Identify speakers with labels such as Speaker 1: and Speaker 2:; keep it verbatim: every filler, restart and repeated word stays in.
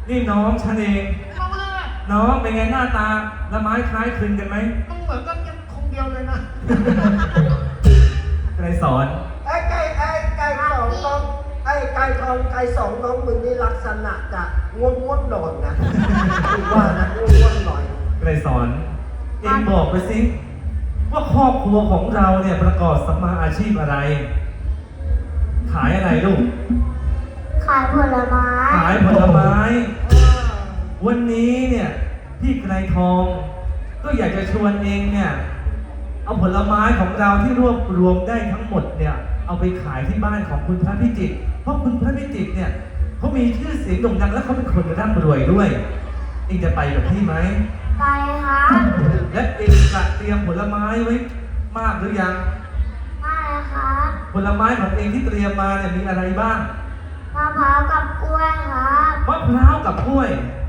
Speaker 1: นี่น้องฉันเอง
Speaker 2: มองเลยนะ
Speaker 1: น้องเป็นไงหน้าตาละไม้คล้ายคลึงกันไหม
Speaker 2: มันเหมือนกันยังคงเดียวเลยนะ
Speaker 1: ใครสอน
Speaker 3: ไอ้ไก่ไอ้ไก่สองน้องไอ้ไก่ทองไก่สองน้องมึงนี่ลักษณะจะง่วงง่วงนอนนะถือว่านะง่วงง่วงหน่อย
Speaker 1: ใครสอน เองบอกไปสิว่าครอบครัวของเราเนี่ยประกอบสัมมาอาชีพอะไร ขายอะไรลูก
Speaker 4: ขายผลไม้
Speaker 1: ขายผลไม้ วันนี้เนี่ยพี่ไกรทอง ก็อยากจะชวนเองเนี่ยเอาผลไม้ของเราที่รวบรวมได้ทั้งหมดเนี่ยเอาไปขายที่บ้านของคุณพระพิจิตรเพราะคุณพระพิจิตรเนี่ยเขามีชื่อเสียงโด่งดังและเขาเป็นคนร่ำรวยด้วยเองจะไปกับพี่ไหม
Speaker 4: ไปครับ
Speaker 1: และเองจะเตรียมผลไม้ไว้มากหรือยัง
Speaker 4: ไม่ครับ
Speaker 1: ผลไม้ของเองที่เตรียมมาเนี่ยมีอะไรบ้าง
Speaker 4: มะพร้าวกับกล้วยครับ
Speaker 1: มะพร้าวกับกล้วย